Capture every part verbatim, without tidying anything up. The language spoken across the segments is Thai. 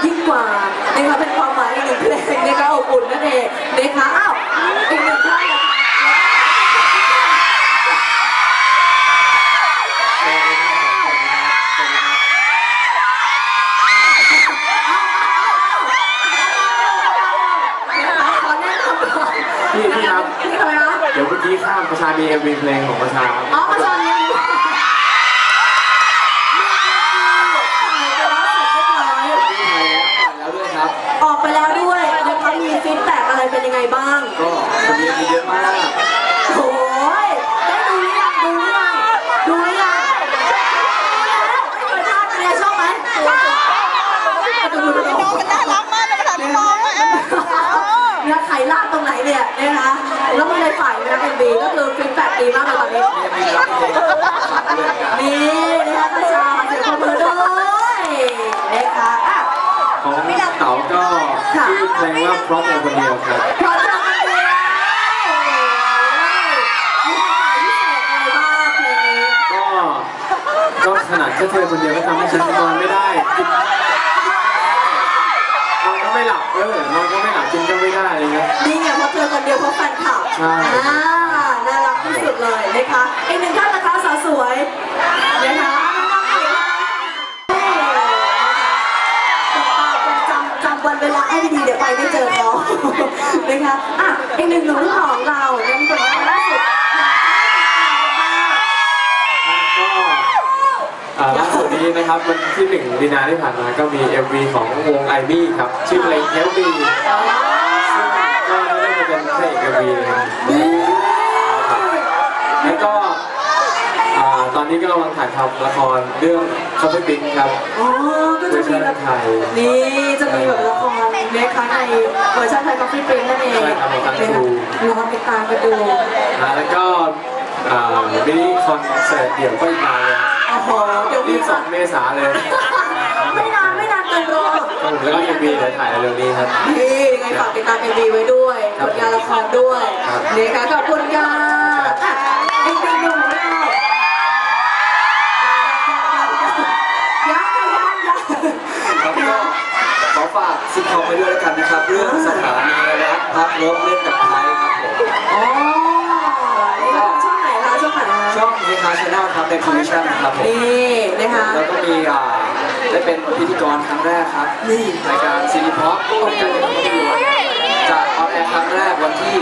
ยิ่งกว่านะคะเป็นความหมายอีกหนึ่งเพลงนะคะอบอุ่นนั่นเองนะคะอ้าวอีกหนึ่งท่านพี่พี่ครับเดี๋ยวเมื่อกี้ข้ามประชามีเอ็มวีเพลงของประชาอ๋อประชามีออกไปแล้วด้วยนะคะมีฟีดแบ็กอะไรเป็นยังไงบ้างก็คนนี้เยอะมากโอ้ยได้ดูหรือยังดูหรือยังดูหรือยังดูแล้วไม่เคยพลาดเลยชอบไหมดูดูดูน้องมันน่ารักมากเลยมาถามน้องว่าเนี่ยไข่ลาดตรงไหนเนี่ยนะคะแล้วมันในฝ่ายนะเป็นบีก็คือฟีดแบ็กดีมากเลยตอนนี้นี่นะคะประชาเสียงคนเบอร์ด้วยนะคะของเต๋าก็ชื่อเพลงว่าเพราะเธอคนเดียวครับเพราะเธอคนเดียวมีความหมายพิเศษอะไรบ้างเพลงนี้ก็ก็ขนาดแค่เธอคนเดียวก็ทำให้ฉันนอนไม่ได้นอนก็ไม่หลับเออนอนก็ไม่หลับกินก็ไม่ได้อะไรเงี้ยนี่ไงเพราะเธอคนเดียวเพราะแฟนคลับใช่น่ารักที่สุดเลยนะคะอีกหนึ่งท่านนะคะสาวสวยนะคะวันเวลาให้ดีๆเดี๋ยวไปไม่เจอเขานะคะอ่ะอีกหนึ่งหนุ่มของเราเนี่ยเป็นคนล่าสุดก็ล่าสุดนี้นะครับวันที่หนึ่งมีนาที่ผ่านมาก็มี เอ็ม วี ของวงไอมี่ครับชื่อเพลงเฮลบีซึ่งก็ได้มาเป็นเพลง เอ็ม วี นะครับแล้วก็ตอนนี้ก็กำลังถ่ายทำละครเรื่องคอฟฟี่บิ๊กครับอ๋อก็จะมีแบบไทยนี่จะมีแบบละครนะคะในเวอร์ชันไทยคอฟฟี่บิ๊กนั่นเองใช่ครับของทางทรูรอติดตามกันดูแล้วก็มินิคอนเสิร์ตเดี่ยวก็อีกมาเลยโอ้โหเดี๋ยวรีบสองเมษาเลยไม่นานไม่นานเกินรอแล้วก็เอ็มวีเดี๋ยวถ่ายเร็วนี้ครับนี่ยังไงฝากติดตามเอ็มวีไว้ด้วยผลงานละครด้วยนี่ค่ะขอบคุณค่ะอีกหนึ่งหนุ่มเราขอฝากซิทคอมไปด้วยแล้วกันนะครับเรื่องสถานีรักพักลบเล่นกับไทยครับผมอ๋อช่องไหนคะช่องไหนช่องเฮฮาชาแนลครับในคอมมิชชั่นครับผมนี่นะคะแล้วก็มีอ่าได้เป็นพิธีกรครั้งแรกครับนี่รายการซีรีส์พ็อปของการเล่นภาพยนตร์จะออนแอร์ครั้งแรกวันที่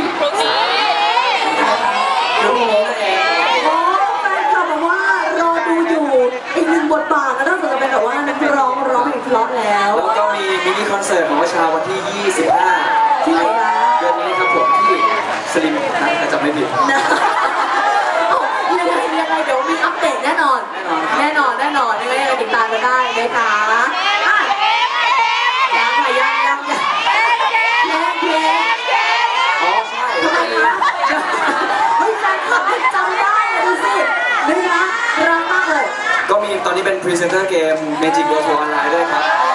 พรุ่งนี้นั่นเองโอ้แฟนคลับบอกว่ารอดูอยู่อีกหนึ่งบทบาทแล้วนอกจากจะเป็นแบบว่านักร้องร้องเพลงเพราะแล้วแล้วก็มีมินิคอนเสิร์ตของวชาวันที่ยี่สิบห้าที่ไหนคะเดือนนี้ครับผมที่สลิมน่าจะไม่ผิดนะยังไงยังไงเดี๋ยวมีอัปเดตแน่นอนแน่นอนแน่นอนยังไงยังไงติดตามกันได้นะคะยังค่ะยังยังยังเพลงเพลงอ๋อใช่ทำไมคะเฮ้ยแฟนคลับจำได้ดูสินะคะรักมากเลยก็มีตอนนี้เป็นพรีเซนเตอร์เกม Magic Go To Online ด้วยครับ